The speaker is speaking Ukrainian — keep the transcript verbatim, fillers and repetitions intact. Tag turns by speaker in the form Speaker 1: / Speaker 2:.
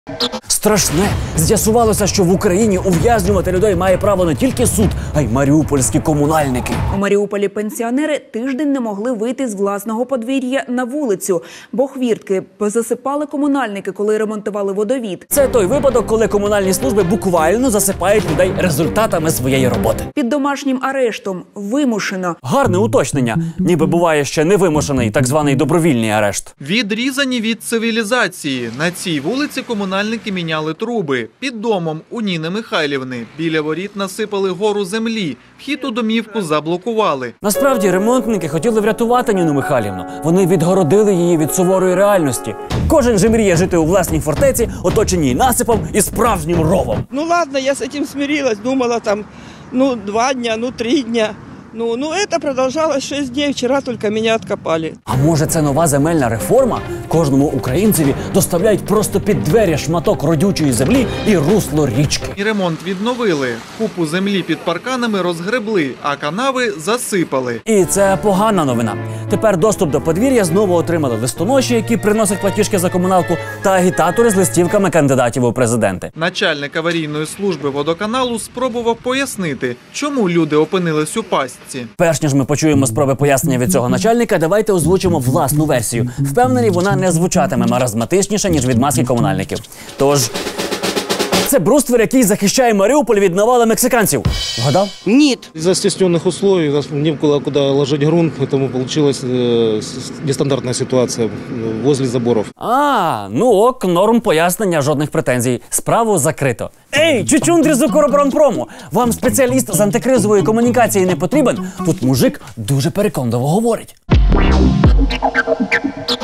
Speaker 1: Страшне. З'ясувалося, що в Україні ув'язнювати людей має право не тільки суд, а й маріупольські комунальники.
Speaker 2: У Маріуполі пенсіонери тиждень не могли вийти з власного подвір'я на вулицю, бо хвіртки позасипали комунальники, коли ремонтували водовід.
Speaker 1: Це той випадок, коли комунальні служби буквально засипають людей результатами своєї роботи.
Speaker 2: Під домашнім арештом. Вимушено.
Speaker 1: Гарне уточнення. Ніби буває ще невимушений, так званий добровільний арешт.
Speaker 3: Відрізані від цивілізації. На цій вулиці комунальники міняли труби. Під домом у Ніни Михайлівни біля воріт насипали гору землі. Вхід у домівку заблокували.
Speaker 1: Насправді, ремонтники хотіли врятувати Ніну Михайлівну. Вони відгородили її від суворої реальності. Кожен же мріє жити у власній фортеці, оточеній насипом і справжнім ровом.
Speaker 4: Ну ладно, я з цим смирилась, думала там, ну два дня, ну три дня. Ну, ну это продолжалось шесть дней, вчера только меня откопали.
Speaker 1: А може це нова земельна реформа? Кожному українцеві доставляють просто під двері шматок родючої землі і русло річки.
Speaker 3: І ремонт відновили. Купу землі під парканами розгребли, а канави засипали.
Speaker 1: І це погана новина. Тепер доступ до подвір'я знову отримали листоноші, які приносять платіжки за комуналку, та агітатори з листівками кандидатів у президенти.
Speaker 3: Начальник аварійної служби водоканалу спробував пояснити, чому люди опинились у пастці.
Speaker 1: Перш ніж ми почуємо спроби пояснення від цього начальника, давайте озвучимо власну версію. Впевнені, вона не звучатиме маразматичніше, ніж від маски комунальників. Тож, це бруствер, який захищає Маріуполь від навали мексиканців. Вгадав?
Speaker 4: Нет.
Speaker 5: Из-за стесненных условий у нас не было куда ложить грунт, поэтому получилась э, нестандартная ситуация возле заборов.
Speaker 1: А, ну ок, норм пояснення, жодних претензій. Справу закрито. Ей, чучундрі з Укроборонпрому! Вам спеціаліст з антикризової комунікації не потрібен? Тут мужик дуже переконливо говорить.